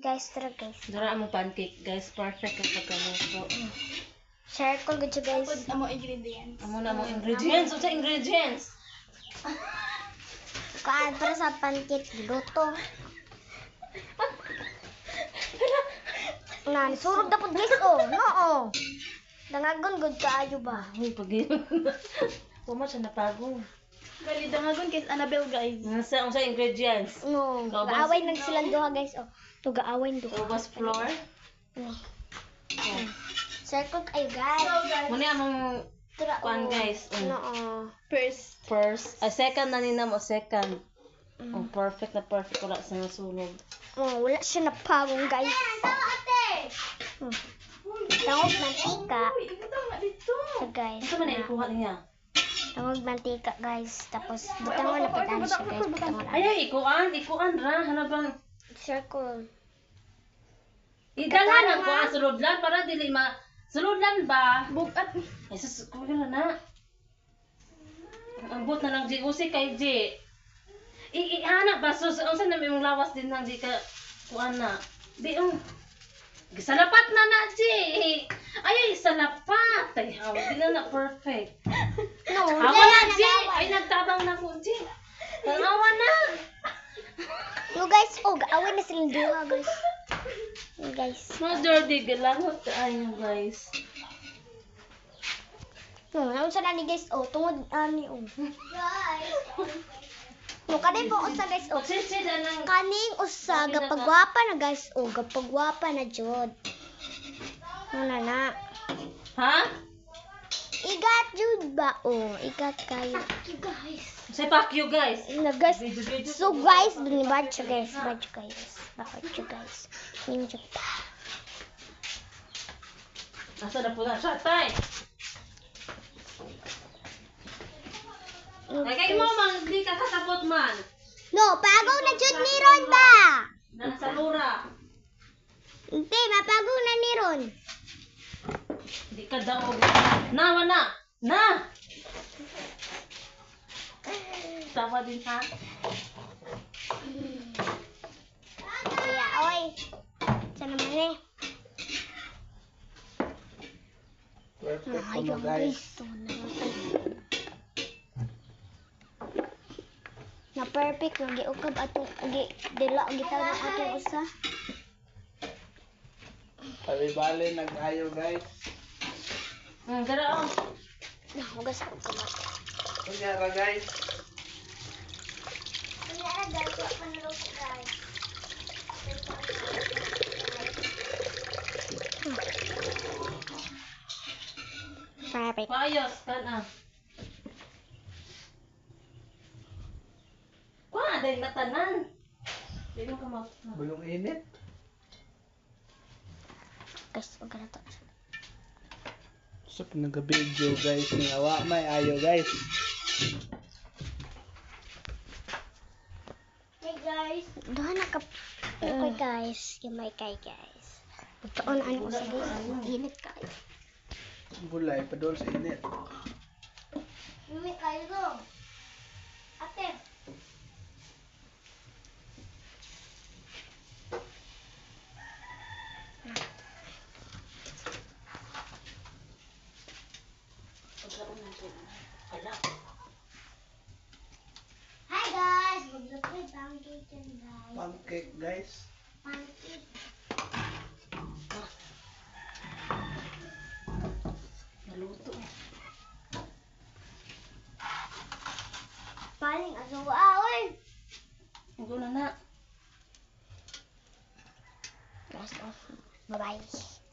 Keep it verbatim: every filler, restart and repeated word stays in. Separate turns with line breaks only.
Guys, tara guys.
Dura mo pancake, guys. Perfect ang pagkaluto.
Share ko gud guys.
Tapos amo ingredients.
Amo na mo ingredients. Unsa ingredients?
Kaan para sa pancake luto. Nan, surog dapat guys oh. No. Dangagon gud kaayo ba?
Uy, pag Kuma siya napagong.
Gali dangagon kay Annabelle guys.
Nasa unsa ingredients?
No, gaaway nang silang duha guys oh. To gaaway duha.
Ubas flour.
No. Share ko kayo guys.
Muna among
Tara
kuan
oh.
guys. Um,
No.
First.
First, a second na nina mo second.
Mm.
Oh, perfect na perfect wala sa nasunog.
Oh, wala siya napagong guys. Hmm. Tangog mantika.
Uy, ito nga dito.
So guys.
Unsa man na ikuha niya?
Tangog mantika guys. Tapos butang mo na patan siya guys. Butang mo na.
Ayaw ikuan, ikuan ra hana bang
Circle.
idala na ko ang sulodlan para dili ma sulodlan ba?
Bukat.
Ay sus ko na na. Ang bot na lang di usi kay di. I ihana ba sus unsa na may mong lawas din nang di ka kuan na. Di um gisalapat na na di. Ay salapat. Ay haw di na na perfect.
No,
Hawa na di. Ay nagtabang na ko di. Hawa na.
no guys, oh, gaaway na silang duha guys. Oh, guys.
Mas dirty galangot kaayo guys.
No, naon sa nani guys, oh, tungod ani oh. Guys. No, kanin po usa guys, oh.
Sisida nang
Kaning usa gapagwapa na guys, oh, gapagwapa na jud. Ano na?
ha?
Igat jud ba? Oh, igat kayo. Guys.
Say fuck you guys.
Na guys.
Video, video.
So guys, binibad siya guys. Bad siya guys. Bakit siya guys? Ning siya.
Asa na po na siya, tay? Ay, kay mo, man, di ka katapot man.
No, pagaw na jud ni Ron ba?
Nasa lura.
Hindi, mapagaw na ni Ron.
Di ka daw. Na, wana. Na! Tawa din ha.
Kaya, oy. Sa naman eh.
Perfect
Ah,
po
ayaw
na guys.
guys. To, na, na perfect lagi ukab ato gi dila gitaw na ato usa.
Bali-bali nag-ayo guys.
Hmm, gara oh.
Nahugas ko kumat.
Kunyara guys.
Kunyara guys, wa pa naluto guys. Perfect.
Paayos, kan ah. Kuha, dahil matanan. Di mo ka ma...
Bulong init.
Guys, wag na to.
So nag-video guys ni awa may ayo guys.
Hey guys. Doon na ka. Okay guys, gamay kay guys. Pagkaon ano sa guys, init kayo.
Bulay padol sa init.
Init kayo go. Ate. Hi guys, magluto yung pancake yan guys.
Pancake guys.
Pancake.
Naluto.
Paling asawa, oy.
Huwag na na.
Guys, off. Bye-bye.